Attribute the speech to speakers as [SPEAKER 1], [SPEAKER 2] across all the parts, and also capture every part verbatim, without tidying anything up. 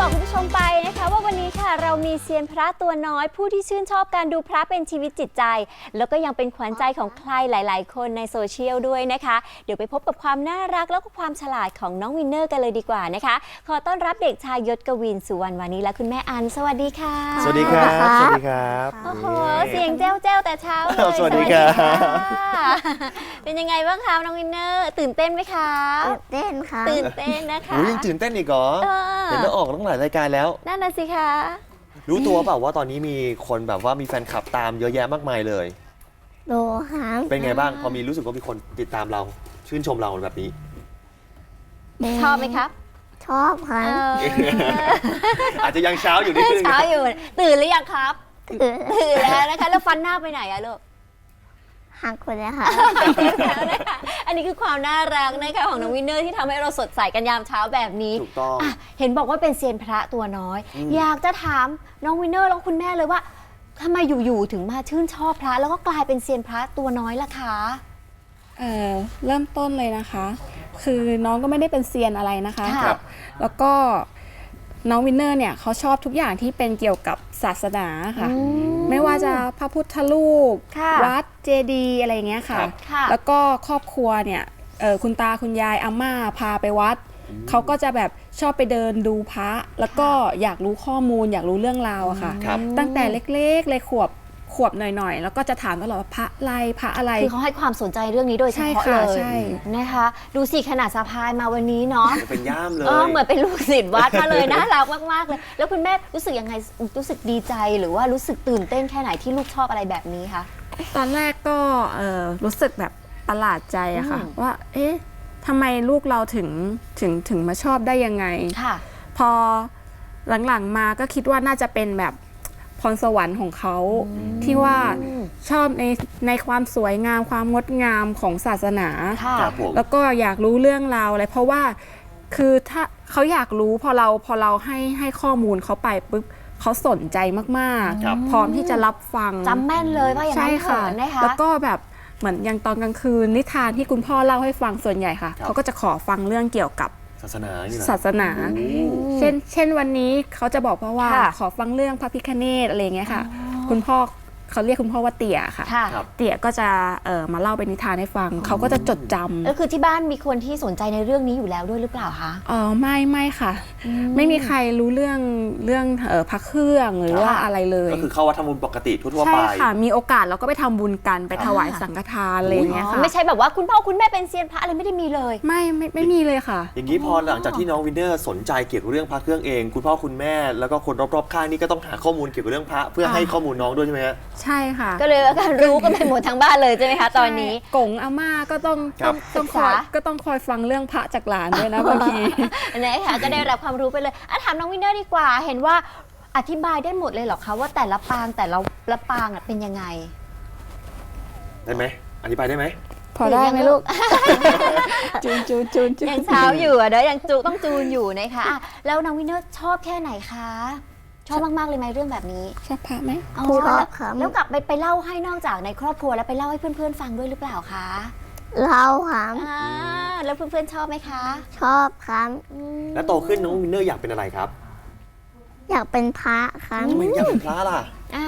[SPEAKER 1] คุณผู้ชมไปนะคะว่าวันนี้ค่ะเรามีเซียนพระตัวน้อยผู้ที่ชื่นชอบการดูพระเป็นชีวิตจิตใจแล้วก็ยังเป็นขวัญใจของใครหลายๆคนในโซเชียลด้วยนะคะเดี๋ยวไปพบกับความน่ารักแล้วก็ความฉลาดของน้องวินเนอร์กันเลยดีกว่านะคะขอต้อนรับเด็กชายยศกวินสุวรรณวานีและคุณแม่อันสวัสดีค่ะ
[SPEAKER 2] สวัสดีครับสวัสดีครับ
[SPEAKER 1] โอ้โหเสียงแจ้วแจ้วแต่เช้าเลย
[SPEAKER 2] สวัสดีครับ
[SPEAKER 1] เป็นยังไงบ้างคะน้องวินเนอร์ตื่นเต้นไหมคะ
[SPEAKER 3] ตื่นเต้นค่ะ
[SPEAKER 1] ตื่นเต้นนะคะ
[SPEAKER 2] ยังตื่นเต้นอีกเหรอเห็นว่าออกตั้งหลายรายการแล้ว
[SPEAKER 1] นั่นน่ะสิคะ
[SPEAKER 2] รู้ตัวเปล่าว่าตอนนี้มีคนแบบว่ามีแฟนคลับตามเยอะแยะมากมายเลย
[SPEAKER 3] โลค่ะ
[SPEAKER 2] เป็นไงบ้างพอมีรู้สึกว่ามีคนติดตามเราชื่นชมเราแบบนี้
[SPEAKER 1] ชอบไหมครับ
[SPEAKER 3] ชอบค่ะ
[SPEAKER 2] อาจจะยังเช้าอยู่นิดนึง
[SPEAKER 1] เช้าอยู่ตื่นหรือยังครับตื่นตื่นแล้วนะคะแล้วฟันหน้าไปไหนอะลูก
[SPEAKER 3] หักคนเลยค่ะ
[SPEAKER 1] อันนี้คือความน่ารักนะคะของน้องวินเนอร์ที่ทำให้เราสดใสกันยามเช้าแบบนี้
[SPEAKER 2] ถูกต้อง
[SPEAKER 1] เห็นบอกว่าเป็นเซียนพระตัวน้อยอยากจะถามน้องวินเนอร์แล้วคุณแม่เลยว่าทำไมอยู่ๆถึงมาชื่นชอบพระแล้วก็กลายเป็นเซียนพระตัวน้อยล่ะคะ
[SPEAKER 4] เอ่อเริ่มต้นเลยนะคะคือน้องก็ไม่ได้เป็นเซียนอะไรนะคะแล้วก็น้องวินเนอร์เนี่ยเขาชอบทุกอย่างที่เป็นเกี่ยวกับศาสนาค่ะไม่ว่าจะพระพุทธรูปวัดเจดีย์อะไรอย่างเงี้ยค่ะแล้วก็ครอบครัวเนี่ยคุณตาคุณยายอาม่าพาไปวัดเขาก็จะแบบชอบไปเดินดูพระแล้วก็อยากรู้ข้อมูลอยากรู้เรื่องราวอะค่ะตั้งแต่เล็กๆเลยขวบขวบหน่อยๆแล้วก็จะถามตลอดว่าพระอะไรพระอะไร
[SPEAKER 1] คือเขาให้ความสนใจเรื่องนี้โดยเฉพาะเลยนะคะดูสิขนาดสะพายมาวันนี้เนาะ
[SPEAKER 2] เป็นย่ามเลย
[SPEAKER 1] เหมือนเป็นลูกศิษย์วัดมาเลยน่ารักมากๆเลยแล้วคุณแม่รู้สึกยังไงรู้สึกดีใจหรือว่ารู้สึกตื่นเต้นแค่ไหนที่ลูกชอบอะไรแบบนี้คะ
[SPEAKER 4] ตอนแรกก็รู้สึกแบบประหลาดใจอะค่ะว่าเอ๊ะทำไมลูกเราถึงถึงถึงมาชอบได้ยังไงพอหลังๆมาก็คิดว่าน่าจะเป็นแบบพรสวรรค์ของเขาที่ว่าชอบในในความสวยงามความงดงามของศาสนาแล้วก็อยากรู้เรื่องราวอะไรเพราะว่าคือถ้าเขาอยากรู้พอเราพอเราให้ให้ข้อมูลเขาไปปุ๊บเขาสนใจมากๆพร้อมที่จะรับฟัง
[SPEAKER 1] จำแม่นเลยว่าอย่างนั้นค่ะ
[SPEAKER 4] แล้วก็แบบเหมือนอย่างตอนกลางคืนนิทานที่คุณพ่อเล่าให้ฟังส่วนใหญ่ค่ะเขาก็จะขอฟังเรื่องเกี่ยวกับ
[SPEAKER 2] ศาสนา
[SPEAKER 4] ศาสนาเช่นเช่นวันนี้เขาจะบอกเพราะว่าขอฟังเรื่องพระพิฆเนศอะไรเงี้ยค่ะคุณพ่อเขาเรียกคุณพ่อว่าเตี่ยค่ะเตี่ยก็จะเอ่อมาเล่าเป็นนิทานให้ฟังเขาก็จะจดจำ
[SPEAKER 1] ก็คือที่บ้านมีคนที่สนใจในเรื่องนี้อยู่แล้วด้วยหรือเปล่าคะ
[SPEAKER 4] อ๋อไม่ไม่ค่ะไม่มีใครรู้เรื่องเรื่องเอ่อพระเครื่องหรือว่าอะไรเลย
[SPEAKER 2] ก็คือเข้าวัดทำบุญปกติทั่วๆไป
[SPEAKER 4] ใช่ค่ะมีโอกาสเราก็ไปทำบุญกันไปถวายสังฆทานอะไรเงี้ยค่ะ
[SPEAKER 1] ไม่ใช่แบบว่าคุณพ่อคุณแม่เป็นเซียนพระอะไรไม่ได้มีเลย
[SPEAKER 4] ไม่ไม่ไม่มีเลยค่ะ
[SPEAKER 2] อย่างนี้พอหลังจากที่น้องวินเนอร์สนใจเกี่ยวกับเรื่องพระเครื่องเองคุณพ่อคุณแม่แล้วก็คนรอบๆข้างนี่ก็ต้องหาข้อมูลเกี่ยวกับเรื่องพระเพื่อให้ข้อมูลน้องด้วยใช่ไหมฮะ
[SPEAKER 4] ใช่ค่ะ
[SPEAKER 1] ก็เลยการรู้ก็ไปหมดทั้งบ้านเลยใช่ไหมคะตอนนี้
[SPEAKER 4] กงอาม่าก็ต้องต้องต้องคอยก็ต้องคอยฟังเรื่องพระจากหลานด้วยนะบางที
[SPEAKER 1] นะคะก็ได้รับความรู้ไปเลยอ่ะถามน้องวินเนอร์ดีกว่าเห็นว่าอธิบายได้หมดเลยเหรอคะว่าแต่ละปางแต่ละละปางเป็นยังไง
[SPEAKER 2] ได้ไหมอธิบายได้ไหม
[SPEAKER 4] พอได้ไหมลูกจูนจูนจูน
[SPEAKER 1] ยังเช้าอยู่อ่ะเดี๋ยวยังจูต้องจูนอยู่นะคะแล้วน้องวินเนอร์ชอบแค่ไหนคะชอบมากๆเลยไหมเรื่องแบบนี้
[SPEAKER 4] ชอบพระไหม
[SPEAKER 1] ชอบค่ะแล้วกลับไปไปเล่าให้นอกจากในครอบครัวแล้วไปเล่าให้เพื่อนๆฟังด้วยหรือเปล่าคะ
[SPEAKER 3] เล่าค่ะ
[SPEAKER 1] แล้วเพื่อนๆชอบไหมคะ
[SPEAKER 3] ชอบครับ
[SPEAKER 2] แล้วโตขึ้นน้องวินเนอร์อยากเป็นอะไรครับ
[SPEAKER 3] อยากเป็นพระครับ
[SPEAKER 2] ทำไมอยากเป็นพระล่ะ
[SPEAKER 1] อ่า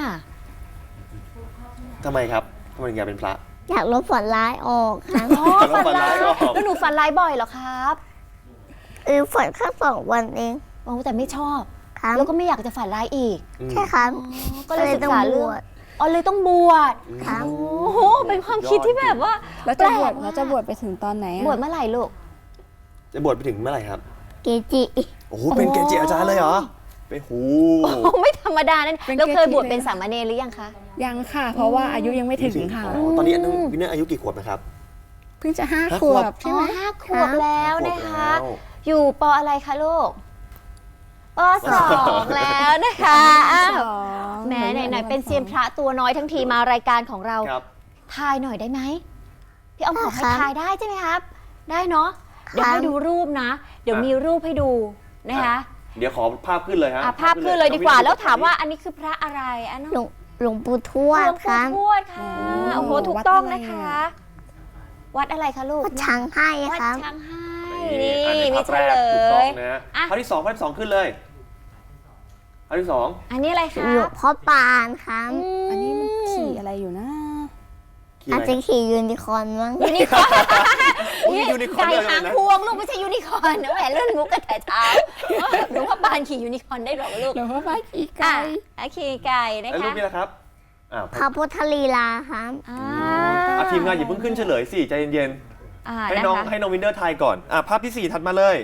[SPEAKER 2] ทำไมครับทำไมอยากเป็นพระ
[SPEAKER 3] อยากลบฝันร้ายออกครับ
[SPEAKER 1] ฝันร้ายออกแล้วหนูฝันร้ายบ่อยเหรอครับ
[SPEAKER 3] เออฝันแค่สองวันเอง
[SPEAKER 1] โอ้แต่ไม่ชอบแล้วก็ไม่อยากจะฝันร้ายอีก
[SPEAKER 3] ใช่ครับ
[SPEAKER 1] ก็เลยศึกษาเรื่องอ๋อเลยต้องบวชโอ้โหเป็นความคิดที่แบบว่า
[SPEAKER 4] แล้วจะบวชแล้วจะบวชไปถึงตอนไหน
[SPEAKER 1] บวชเมื่อไหร่ลูก
[SPEAKER 2] จะบวชไปถึงเมื่อไหร่ครับ
[SPEAKER 3] เกจิ
[SPEAKER 2] โอ้โหเป็นเกจิอาจารย์เลยเหรอไปหู
[SPEAKER 1] ไม่ธรรมดานั่นแล้วเคยบวชเป็นสามเณรหรือยังคะ
[SPEAKER 4] ยังค่ะเพราะว่าอายุยังไม่ถึงค่ะ
[SPEAKER 2] ตอนนี้น้องวินเนอร์อายุกี่ขวบนะครับ
[SPEAKER 4] เพิ่งจะห้าขวบใช่ไหม
[SPEAKER 1] ห้าขวบแล้วนะคะอยู่ป.อะไรคะลูกป.สองแล้วนะคะแหมไหนๆเป็นเซียนพระตัวน้อยทั้งทีมารายการของเราทายหน่อยได้ไหมพี่อ้อมขอให้ทายได้ใช่ไหมครับได้เนาะเดี๋ยวให้ดูรูปนะเดี๋ยวมีรูปให้ดูนะคะ
[SPEAKER 2] เดี๋ยวขอภาพขึ้นเลยฮะ
[SPEAKER 1] ภาพขึ้นเลยดีกว่าแล้วถามว่าอันนี้คือพระอะไรอันนั้น
[SPEAKER 3] หลวงปู่ทวด
[SPEAKER 1] ค่ะหลวงปู่ทวดค่ะโอ้โหถูกต้องนะคะวัดอะไรคะลูก
[SPEAKER 3] วัดช้างให้
[SPEAKER 1] วัด
[SPEAKER 3] ครับ
[SPEAKER 1] ช้างให้นี่มีเฉลย
[SPEAKER 2] ภาพที่สองภาพที่สองขึ้นเลยอันที่สอง
[SPEAKER 1] อันนี้อะไรคะ
[SPEAKER 3] หลวงพ่อปานครับ
[SPEAKER 4] อันนี้มันขี่อะไรอยู่นะ
[SPEAKER 2] ขี่
[SPEAKER 3] อา
[SPEAKER 2] อะ
[SPEAKER 3] จ
[SPEAKER 2] ไร
[SPEAKER 3] จะขี่ยูนิคอร์นมั้ง
[SPEAKER 1] ยูนิคอร์น
[SPEAKER 2] อุ๊ยยูนิคอร์น
[SPEAKER 1] ไก่
[SPEAKER 2] เลย
[SPEAKER 1] หาง
[SPEAKER 2] นะ
[SPEAKER 1] พวงลูกไม่ใช่ยูนิคอร์นนะแหมเล่นมุกกันแต่เช้าหลวงพ่อปานขี่ยูนิคอร์นได้หรอลูก
[SPEAKER 4] หลวงพ่อป้าขี่ไก่
[SPEAKER 1] อ่ะขี่ไก่นะ
[SPEAKER 2] แล้วรู
[SPEAKER 1] คะ
[SPEAKER 2] ปนี้นะครับอ่า
[SPEAKER 3] พระพุทธลีลาครับ
[SPEAKER 1] อ่า
[SPEAKER 2] อ่ะทีมงานอย่าเพิ่งขึ้นเฉลยสิใจเย็น
[SPEAKER 1] อ่า
[SPEAKER 2] ๆให้
[SPEAKER 1] นะ
[SPEAKER 2] น้อง
[SPEAKER 1] คะ
[SPEAKER 2] ให้น้องวินเดอร์ทายก่อนอ่ะภาพที่สี่ถัดมาเลย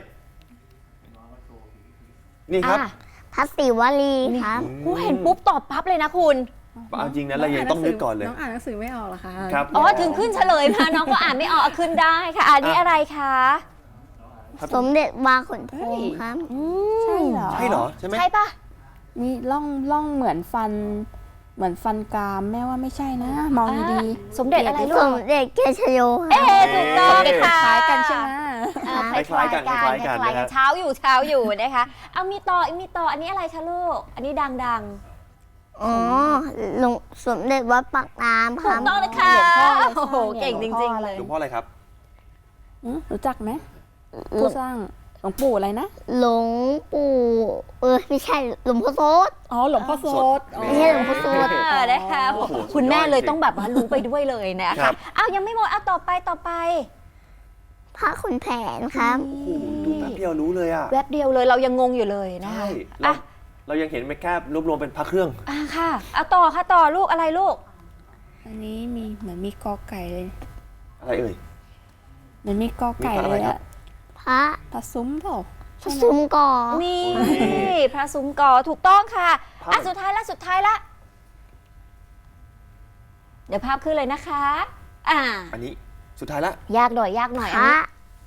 [SPEAKER 2] นี่ครับ
[SPEAKER 1] อ่ะ
[SPEAKER 3] พระศิวลีครับ
[SPEAKER 1] กูเห็นปุ๊บตอบปั๊บเลยนะคุณ
[SPEAKER 2] เอาจริงนะเรายังต้องนึกก่อนเลย
[SPEAKER 4] น้องอ่านหนังสือไม่ออกเหรอคะ
[SPEAKER 2] ครับ
[SPEAKER 1] อ๋อถึงขึ้นเฉลยมาน้องก็อ่านไม่ออกเอาขึ้นได้ค่ะอันนี้อะไรคะ
[SPEAKER 3] สมเด็จวาขนพงครับ
[SPEAKER 1] อืม
[SPEAKER 4] ใช่เหรอ
[SPEAKER 2] ใช่เหรอใช่ไหม
[SPEAKER 1] ใช่ปะ
[SPEAKER 4] มีร่องร่องเหมือนฟัน เหมือนฟันกรามแม่ว่าไม่ใช่นะ มองดี
[SPEAKER 1] สมเด็จอะไรลู
[SPEAKER 3] ส
[SPEAKER 1] ก
[SPEAKER 3] มเด็จเกชโยค
[SPEAKER 1] เอ๊
[SPEAKER 3] รับ
[SPEAKER 1] ะถูกต้อง
[SPEAKER 2] เอ๊ะ
[SPEAKER 1] ค่ะ
[SPEAKER 4] ๆคล้ายกันใช่ไหม
[SPEAKER 1] เออ
[SPEAKER 2] คล้ายๆกันคล้ายๆกัน
[SPEAKER 1] คล้ายๆ
[SPEAKER 2] นะฮะ
[SPEAKER 1] เช้าอยู่เช้าอยู่นะคะเอามีต่อมีต่ออันนี้อะไรคะลูกอันนี้ดัง
[SPEAKER 3] อ๋อหลวงสมเด็จวัดปากน้ำ
[SPEAKER 1] ๆ
[SPEAKER 3] ค
[SPEAKER 1] ถู
[SPEAKER 3] รั
[SPEAKER 1] ก
[SPEAKER 3] บ
[SPEAKER 1] ต้องนะคะ
[SPEAKER 4] หลวงพ่อเลย
[SPEAKER 1] โอ้โหเก่งจริงๆเลย
[SPEAKER 2] หลวงพ่ออะไรครับ
[SPEAKER 4] อืมรู้จักไหมผู้สร้างหลวงปู่อะไรนะ
[SPEAKER 3] หลวงปู่เออไม่ใช่หลวงพ่อโสด
[SPEAKER 4] อ๋อหลวงพ่อโสดอ๋อ
[SPEAKER 3] ไม่ใช่หลวงพ่อโสด
[SPEAKER 1] เออนะคะ
[SPEAKER 2] โอ้โห
[SPEAKER 1] คุณแม่เลย
[SPEAKER 2] สุดยอดจริง
[SPEAKER 1] ต้องแบบว่ารู้ไปด้วยเลยนะ
[SPEAKER 2] ครั
[SPEAKER 1] คะ
[SPEAKER 2] บ
[SPEAKER 1] อ้าวยังไม่หมดเอาต่อไปต่อไป
[SPEAKER 3] พระขุนแผนครับ
[SPEAKER 2] โอ้โหดูแป๊บเดียวรู้เลยอ่ะ
[SPEAKER 1] แวบเดียวเลยเรายังงงอยู่เลยนะคะ
[SPEAKER 2] ใช่เรา
[SPEAKER 1] อ่ะ
[SPEAKER 2] เรายังเห็นไม่แค่รวบรวมเป็นพระเครื่อง
[SPEAKER 1] อ่ะค่ะเอาต่อค่ะต่อลูกอะไรลูก
[SPEAKER 4] อันนี้มีเหมือนมีกอไก่เลย
[SPEAKER 2] อะไรเอ่ย
[SPEAKER 4] เหมือนมีกอไก่
[SPEAKER 2] มีพระอะไร
[SPEAKER 4] เลย
[SPEAKER 2] ครับ
[SPEAKER 4] อะ
[SPEAKER 3] พระ
[SPEAKER 4] ตาซุ้มเปล่า
[SPEAKER 3] พระซุ้มก่อ
[SPEAKER 1] นี่
[SPEAKER 2] โอ้ย
[SPEAKER 1] พระซุ้มกอถูกต้องค่ะ
[SPEAKER 2] ภาพ
[SPEAKER 1] อ่ะสุดท้ายละสุดท้ายละเดี๋ยวภาพขึ้นเลยนะคะ อ่า
[SPEAKER 2] อันนี้สุดท้ายละ
[SPEAKER 1] ยากหน่อยยากหน่อย
[SPEAKER 3] พ
[SPEAKER 1] อัน
[SPEAKER 3] ระ
[SPEAKER 1] นี้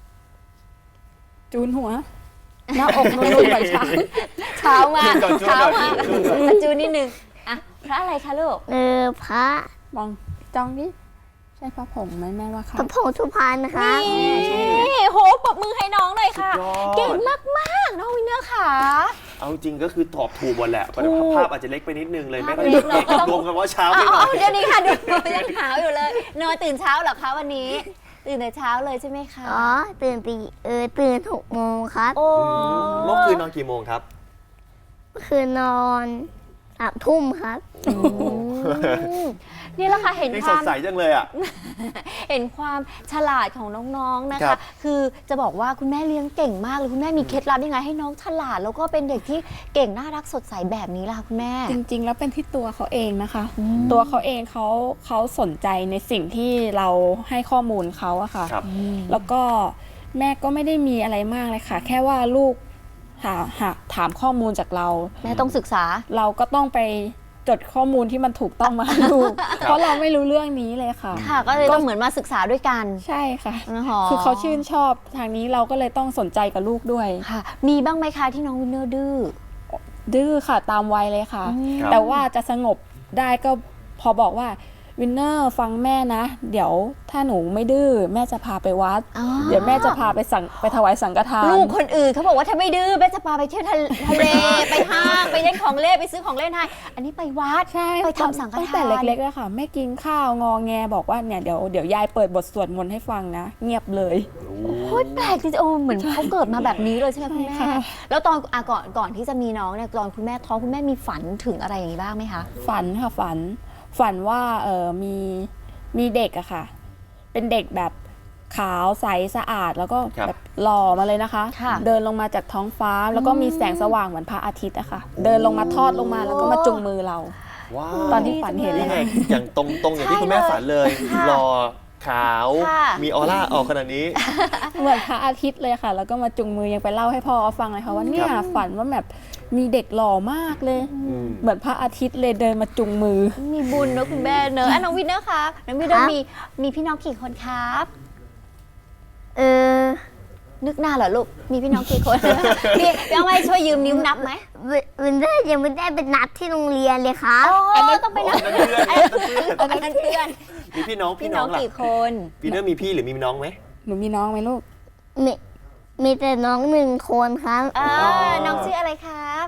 [SPEAKER 4] จูนหัว หน้าอกนุ่นๆเหมือนช้าง
[SPEAKER 1] เช้ามา
[SPEAKER 2] จูนก่อนจูน
[SPEAKER 1] เช้า
[SPEAKER 2] ก่อน
[SPEAKER 1] มา
[SPEAKER 2] จูนก่อน
[SPEAKER 1] อ่ะจูนนิดนึงอ่ะพระอะไรคะลูก
[SPEAKER 3] เออพระ
[SPEAKER 4] มองจ้องดิใช่พระผงไหมแม่ว่าค่ะ
[SPEAKER 3] พระผงสุพรรณครับ
[SPEAKER 1] นี่โหปรบมือให้น้องเลยค่ะ
[SPEAKER 2] สุดยอด
[SPEAKER 1] เก่งมากๆน้องวินเนอร์ค่ะ
[SPEAKER 2] เอาจริงก็คือตอบถูกหมดแหละแต่
[SPEAKER 1] ถูก
[SPEAKER 2] ภาพอาจจะเล็กไปนิดนึงเลยไม่
[SPEAKER 1] ภาพ
[SPEAKER 2] ค่อย
[SPEAKER 1] เล็กเนอะก็ต้อง
[SPEAKER 2] รวมกันว่าเช้า
[SPEAKER 1] เอา
[SPEAKER 2] ไปหน่
[SPEAKER 1] เอา
[SPEAKER 2] อย
[SPEAKER 1] เดี๋ยวนี้ค่ะดูยังหาวอยู่เลยนอนตื่นเช้าเหรอคะวันนี้ ตื่นแต่เช้าเลยใช่ไหมคะ
[SPEAKER 3] อ๋อตื่นตีเออตื่นหกโมงครับ
[SPEAKER 1] โอ้
[SPEAKER 2] เมื่อคืนนอนกี่โมงครับ
[SPEAKER 3] คือนอนสามทุ่มครับ
[SPEAKER 1] อืมนี่แหละค่ะเห็น
[SPEAKER 2] นี่
[SPEAKER 1] ค
[SPEAKER 2] ส
[SPEAKER 1] วา
[SPEAKER 2] ด
[SPEAKER 1] ม
[SPEAKER 2] ใสจังเลยอ่ะ
[SPEAKER 1] เห็นความฉลาดของน้องๆ นะ
[SPEAKER 2] ครั
[SPEAKER 1] คะ
[SPEAKER 2] บ
[SPEAKER 1] คือจะบอกว่าคุณแม่เลี้ยงเก่งมากเลยคุณแม่มีเคล็ดลับยังไงให้น้องฉลาด แล้วก็เป็นเด็กที่เก่งน่ารักสดใสแบบนี้ล่ะคะคุณแม่
[SPEAKER 4] จริงๆ แล้วเป็นที่ตัวเขาเองนะคะ
[SPEAKER 1] อืม
[SPEAKER 4] ตัวเขาเองเขาเขาสนใจในสิ่งที่เราให้ข้อมูลเขาอะค่ะ
[SPEAKER 2] ครับ
[SPEAKER 4] แล้วก็แม่ก็ไม่ได้มีอะไรมากเลยค่ะ แค่ว่าลูกหาหาถามข้อมูลจากเรา
[SPEAKER 1] แม่ต้องศึกษา
[SPEAKER 4] เราก็ต้องไปจดข้อมูลที่มันถูกต้องมาให้ลูก เพราะเราไม่รู้เรื่องนี้เลยค่ะ
[SPEAKER 1] ค่ะ ก็เลยต้องเหมือนมาศึกษาด้วยกัน
[SPEAKER 4] ใช่ค่ะ
[SPEAKER 1] นะคะ
[SPEAKER 4] คือเขาชื่นชอบทางนี้เราก็เลยต้องสนใจกับลูกด้วย
[SPEAKER 1] ค่ะ มีบ้างไหมคะที่น้องวินเนอร์ดื้อ
[SPEAKER 4] ดื้อค่ะตามวัยเลยค่ะ
[SPEAKER 2] ครับ
[SPEAKER 4] แต่ว่าจะสงบได้ก็พอบอกว่าวินเนอร์ฟังแม่นะ เดี๋ยวถ้าหนูไม่ดื้อแม่จะพาไปวัด
[SPEAKER 1] อ๋อ
[SPEAKER 4] เดี๋ยวแม่จะพาไปสั่งไปถวายสังฆทาน
[SPEAKER 1] ลูกคนอื่นเขาบอกว่าถ้าไม่ดื้อแม่จะพาไปเที่ยวทะทะเล ไปห้างไปเล่นของเล่นไปซื้อของเล่นให้อันนี้ไปวัด
[SPEAKER 4] ใช่
[SPEAKER 1] ไปทำสังฆทาน
[SPEAKER 4] ตั้งแต่เล็กๆเลยค่ะไม่กินข้าวงอแงบอกว่าเนี่ยเดี๋ยวเดี๋ยวยายเปิดบทสวดมนต์ให้ฟังนะ เงียบเลย
[SPEAKER 1] โคตรแปลกจริงๆโอ้เหมือนเขาเกิดมาแบบนี้เลยใช่ไหมคุณแม่
[SPEAKER 4] ใช่ค่ะ
[SPEAKER 1] แล้วตอนอ่ะก่อนก่อนที่จะมีน้องเนี่ยตอนคุณแม่ท้องคุณแม่มีฝันถึงอะไรอย่างนี้บ้างไหมคะ
[SPEAKER 4] ฝันค่ะฝัน ฝันว่าเออมีมีเด็กอะค่ะ เป็นเด็กแบบขาวใสสะอาด แล้วก็
[SPEAKER 2] ครับ
[SPEAKER 4] แบบหล่อมาเลยนะคะ
[SPEAKER 1] ค่ะ
[SPEAKER 4] เดินลงมาจากท้องฟ้า แล้วก็มีแสงสว่างเหมือนพระอาทิตย์อะค่ะ เดินลงมาทอดลงมาแล้วก็มาจุงมือเรา
[SPEAKER 2] ว้า
[SPEAKER 4] ตอ
[SPEAKER 2] วน
[SPEAKER 4] ที่ฝันเห็น
[SPEAKER 2] นี่
[SPEAKER 4] นะ
[SPEAKER 2] ไง
[SPEAKER 4] คะ
[SPEAKER 2] อย่างตรงตรงอย่างที่
[SPEAKER 1] ใช่
[SPEAKER 2] คุณแม่
[SPEAKER 1] เลย
[SPEAKER 2] ฝันเลย
[SPEAKER 1] ค่ะ
[SPEAKER 2] หล่อขาว
[SPEAKER 1] ค่ะ
[SPEAKER 2] มีออร่าออกขนาดนี้
[SPEAKER 4] เหมือนพระอาทิตย์เลยค่ะ แล้วก็มาจุงมือยังไปเล่าให้พ่อฟังเลยค่ะว่าเนี่ย
[SPEAKER 2] ครับ
[SPEAKER 4] ฝันว่าแบบมีเด็กหล่อมากเลย
[SPEAKER 2] อืม
[SPEAKER 4] เหมือนพระอาทิตย์เลยเดินมาจุงมือ
[SPEAKER 1] มีบุญเนอะคุณแม่เนอะอ่ะน้องวินเนอร์คะน้องวินเนอ
[SPEAKER 3] ครั
[SPEAKER 1] ร์
[SPEAKER 3] บ
[SPEAKER 1] มีมีพี่น้องกี่คนครับ
[SPEAKER 3] เออ
[SPEAKER 1] นึกหน้าเหรอลูกมีพี่น้องกี่คน พี่พี่เอาไว้ช่วยยืมนิ้วนับไหม
[SPEAKER 3] วิวินเดอร์ยังไม่ได้เป็นนัดที่โรงเรียนเลยครับ
[SPEAKER 1] อ๋อต้องไปนับ
[SPEAKER 2] อันนั้นเพื่อนอันนั้นเพื่อน
[SPEAKER 1] อันนั้นเพื่อน
[SPEAKER 2] มีพี่น้อง
[SPEAKER 1] พี่
[SPEAKER 2] พี่
[SPEAKER 1] น้
[SPEAKER 2] น้
[SPEAKER 1] อ
[SPEAKER 2] อง งล่ะ
[SPEAKER 1] กี่คน
[SPEAKER 2] พี่เนอร์มีพี่หรือมีน้องไหม
[SPEAKER 4] หนูมีน้องไหมลูก
[SPEAKER 3] มีมีแต่น้องหนึ่งคนครับ
[SPEAKER 1] เออน้องชื่ออะไรครับ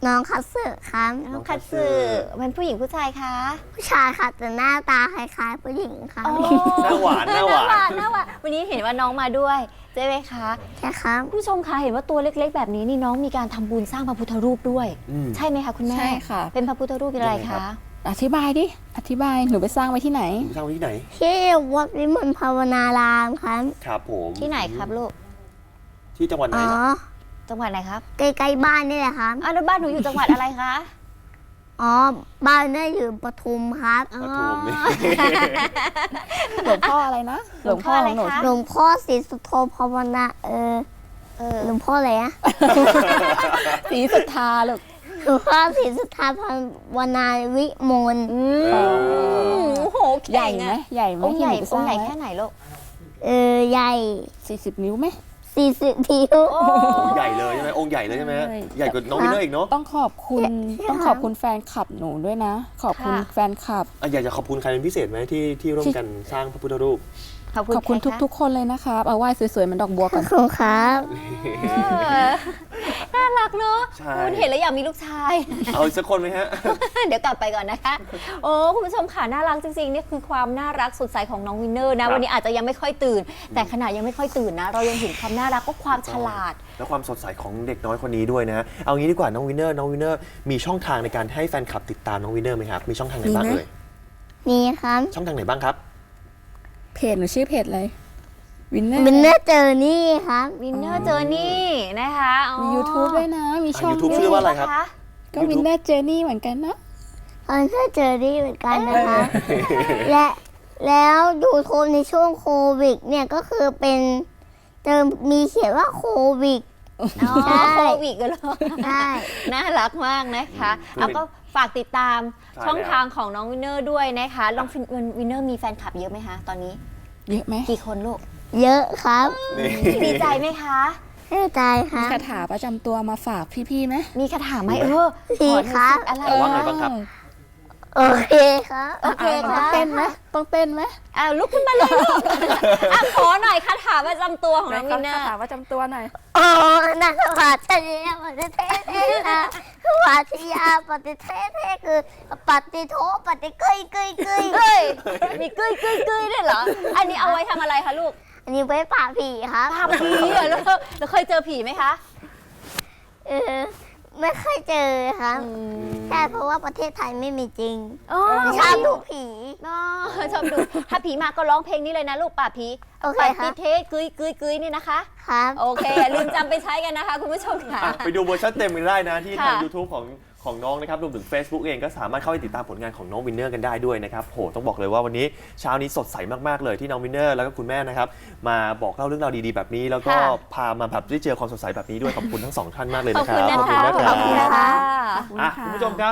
[SPEAKER 3] น้องคัตสึครับ
[SPEAKER 1] น้องคัตสึเป็นผู้หญิงผู้ชายคะ
[SPEAKER 3] ผู้ชายค่ะแต่หน้าตาคล้ายๆผู้หญิงค่ะ
[SPEAKER 1] อ๋อ
[SPEAKER 2] หน้าหวานหน้าหวาน
[SPEAKER 1] หน้าหวานวันนี้เห็นว่าน้องมาด้วยใช่ไหมคะ
[SPEAKER 3] ใช่ครับ
[SPEAKER 1] ผู้ชมคะเห็นว่าตัวเล็กๆ แบบนี้นี่น้องมีการทำบุญสร้างพระพุทธรูปด้วย
[SPEAKER 2] อืม
[SPEAKER 1] ใช่ไหมคะคุณแม่
[SPEAKER 4] ใช่ค่ะ
[SPEAKER 1] เป็นพระพุทธรูปอะไร
[SPEAKER 2] ยังไงครั
[SPEAKER 1] คะ
[SPEAKER 2] บ
[SPEAKER 4] อธิบายดิ อธิบาย หนูไปสร้างไว้ที่ไหน
[SPEAKER 2] คุณสร้างไว้ที่ไหน
[SPEAKER 3] ที่วัดวิมลภาวนารามครับ
[SPEAKER 2] ครับผม
[SPEAKER 1] ที่ไหนครับลูก
[SPEAKER 2] ที่จังหวัดไหน
[SPEAKER 3] อ๋อ
[SPEAKER 2] ล่ะ
[SPEAKER 1] จังหวัดไหนครับ
[SPEAKER 3] ใกล้ๆบ้านนี่แหละครับ
[SPEAKER 1] อ้าวแล้วบ้านหนูอยู่จังหวัดอะไรคะ
[SPEAKER 3] อ๋อ บ้านนี่อยู่ปทุมครับ
[SPEAKER 2] ปทุมนี่
[SPEAKER 4] หลวงพ่ออะไรนะ
[SPEAKER 1] หลวงพ่ออะไร
[SPEAKER 4] หนู
[SPEAKER 1] คะ
[SPEAKER 3] หลวงพ่อศรีสุโธภาวนาเออ
[SPEAKER 1] เออ
[SPEAKER 3] หลวงพ่ออะไรอะ
[SPEAKER 4] สีสุทธาลูก
[SPEAKER 3] หลวงพ่อศรีสุทธาภาวนาวิมล
[SPEAKER 1] อืมโอ้โห
[SPEAKER 4] ใหญ่
[SPEAKER 1] เก่ง
[SPEAKER 4] ไหม
[SPEAKER 1] อะ
[SPEAKER 4] ใหญ่ไหม
[SPEAKER 1] องค์ใหญ่
[SPEAKER 4] ที่นูไปส
[SPEAKER 1] อง
[SPEAKER 4] ร้า
[SPEAKER 1] ค์ใหญ่
[SPEAKER 4] ไว้
[SPEAKER 1] แค่ไหนลูก
[SPEAKER 3] เออ ใหญ่
[SPEAKER 4] สี่สิบนิ้วไหม
[SPEAKER 3] สี่สิบนิ้ว
[SPEAKER 1] โอ้
[SPEAKER 2] องค์ใหญ่เลยใช่ไหมองค์ใหญ่เลยใช่ไหม
[SPEAKER 4] ใช่
[SPEAKER 2] ใหญ่กว่าน้องวินเนอร์อีกเนาะ
[SPEAKER 4] ต้องขอบคุณ ต้องขอบคุณแฟนคลับหนูด้วยนะ ขอบคุณ
[SPEAKER 1] ค่ะ
[SPEAKER 4] แฟนคลับ
[SPEAKER 2] อ่ะอยากจะขอบคุณใครเป็นพิเศษไหมที่ที่ร่วมกันสร้างพระพุทธรูป
[SPEAKER 1] ขอบคุณ
[SPEAKER 4] ขอบคุณ
[SPEAKER 1] ใรคะ
[SPEAKER 4] ทุกๆ คนเลยนะครับ เอาไหว้สวยๆเหมันดอกบัว
[SPEAKER 3] ข
[SPEAKER 4] ก่
[SPEAKER 3] อ
[SPEAKER 4] อบ น
[SPEAKER 3] คุณครับ
[SPEAKER 1] เออน่ารักเนอะ
[SPEAKER 2] ใช่
[SPEAKER 1] คุณเห็นแล้วอยากมีลูกชาย
[SPEAKER 2] เอาอีกสักคนไหมฮะ
[SPEAKER 1] เดี๋ยวกลับไปก่อนนะคะ โอ้คุณผู้ชมค่ะน่ารักจริงๆนี่คือความน่ารักสดใสของน้องวินเนอร์
[SPEAKER 2] ครั
[SPEAKER 1] นะ
[SPEAKER 2] บ
[SPEAKER 1] วันนี้อาจจะยังไม่ค่อยตื่น แต่ขณะยังไม่ค่อยตื่นนะ เรายังเห็นความน่ารักก็ความฉลาด
[SPEAKER 2] และความสดใสของเด็กน้อยคนนี้ด้วยนะ เอางี้ดีกว่าน้องวินเนอร์น้องวินเนอร์มีช่องทางในการให้แฟนคลับติดตามน้องวินเนอร์ไหมครับ มีช่องทางไหนบ้าง
[SPEAKER 4] มีไหม
[SPEAKER 2] เอ่ย
[SPEAKER 3] นี่ครับ
[SPEAKER 2] ช่องทางไหนบ้างครับ
[SPEAKER 4] เพจหนูชื่อเพจอะไรวินเนอร์
[SPEAKER 3] วินเนอร์เจอนี่ครับ
[SPEAKER 1] วินเนอร์เจอนี่นะคะอ๋อ
[SPEAKER 4] มี ยูทูบ ด้วยนะ มีช่อง
[SPEAKER 2] YouTube
[SPEAKER 4] ด้ว
[SPEAKER 2] ชื่
[SPEAKER 4] ย
[SPEAKER 2] อว่าอะไรครับ
[SPEAKER 4] ก็วินเนอร์เจอร์นี่เหมือนกันนะ
[SPEAKER 3] เออถ้าเจอนี่เหมือนกันนะคะ และแล้วยูทูบในช่วงโควิดเนี่ยก็คือเป็นเติมมีเขียนว่าโควิด
[SPEAKER 1] อ๋อ
[SPEAKER 3] ใช่
[SPEAKER 1] โควิดกันเลย
[SPEAKER 3] ใช่
[SPEAKER 1] น่ารักมากนะคะ
[SPEAKER 2] คือ
[SPEAKER 1] เอาก็ฝากติดตาม
[SPEAKER 2] ใช่
[SPEAKER 1] ช่อง
[SPEAKER 2] แล้ว
[SPEAKER 1] ทางของน้องวินเนอร์ด้วยนะคะลองวินเนอร์มีแฟนคลับเยอะไหมคะตอนนี้
[SPEAKER 4] เยอะไหม
[SPEAKER 1] กี่คนลูก
[SPEAKER 3] เยอะครับ
[SPEAKER 2] นี่
[SPEAKER 1] ดีใจไหมคะ
[SPEAKER 3] เข้าใจค
[SPEAKER 4] มี
[SPEAKER 3] รับ
[SPEAKER 4] คาถาประจำตัวมาฝากพี่ๆไหม
[SPEAKER 1] มีคาถาไหมเออ
[SPEAKER 3] มี
[SPEAKER 1] ขอหน่อย
[SPEAKER 3] ครับ
[SPEAKER 1] สิอะไร
[SPEAKER 2] เออว่าไงบ้างครับ
[SPEAKER 3] โอเคครับ
[SPEAKER 1] โอเค
[SPEAKER 4] ต้
[SPEAKER 1] ค่ะ
[SPEAKER 4] องเต้นไหมต้องเต้นไหม
[SPEAKER 1] อ่าลุกขึ้นมาเลยลูกอ่ะขอหน่อยคาถาประจำตัวของน้องวินเนอ
[SPEAKER 4] คา
[SPEAKER 1] ร์
[SPEAKER 4] ถาประจำตัวหน่อย
[SPEAKER 3] โอ้นักวัตเนียปฏิเทเทนะวัตยาปฏิเทเทคือปฏิโทปฏิเกยเกยเกย
[SPEAKER 1] เฮ้ยมีกึ้ยกึ้ยกึ้ยด้วยเหรอ อันนี้เอาไว้ทำอะไรคะลูก
[SPEAKER 3] อันนี้ไว้ป่าบผีครับ
[SPEAKER 1] ภาพผีเหรอแล้วแล้วเคยเจอผีไหมคะ
[SPEAKER 3] เออไม่ค่อยเจอครับใช่เพราะว่าประเทศไทยไม่มีจริง
[SPEAKER 1] อ๋อ
[SPEAKER 3] ชอบดูผี
[SPEAKER 1] อ๋อชอบดู ถ้าผีมาก็ร้องเพลงนี้เลยนะลูกป่าบผี
[SPEAKER 3] โอเค
[SPEAKER 1] ป่า
[SPEAKER 3] ครับ
[SPEAKER 1] ผีเทกึ้ยกึ้ยกึ้ยนี่นะคะ
[SPEAKER 3] ครับ
[SPEAKER 1] โอเคอย่าลืมจำไปใช้กันนะคะ คุณผู้ชมค่ะ
[SPEAKER 2] อ่ะไปดูเวอร์ชันเต็มกันได้นะที่ทาง
[SPEAKER 1] ค่ะ
[SPEAKER 2] YouTube ของของน้องนะครับรวมถึง Facebook เองก็สามารถเข้าไปติดตามผลงานของน้องวินเนอร์กันได้ด้วยนะครับโหต้องบอกเลยว่าวันนี้เช้านี้สดใสมากๆเลยที่น้องวินเนอร์แล้วก็คุณแม่นะครับมาบอกเล่าเรื่องราวดีๆแบบนี้ แล้วก็
[SPEAKER 1] ค่ะ
[SPEAKER 2] พามาแบบได้เจอความสดใสแบบนี้ด้วยขอบคุณทั้งสองท่านมากเลย
[SPEAKER 1] ขอบ
[SPEAKER 2] นะครั
[SPEAKER 1] คุณ
[SPEAKER 2] บ
[SPEAKER 1] นะคะ
[SPEAKER 2] ขอบคุณนะค
[SPEAKER 1] ขอบคุณ
[SPEAKER 2] รับ
[SPEAKER 1] นะคะ
[SPEAKER 4] ขอบคุณ
[SPEAKER 2] อ่ะ
[SPEAKER 4] ค่ะ
[SPEAKER 2] คุณผู้ชมครับ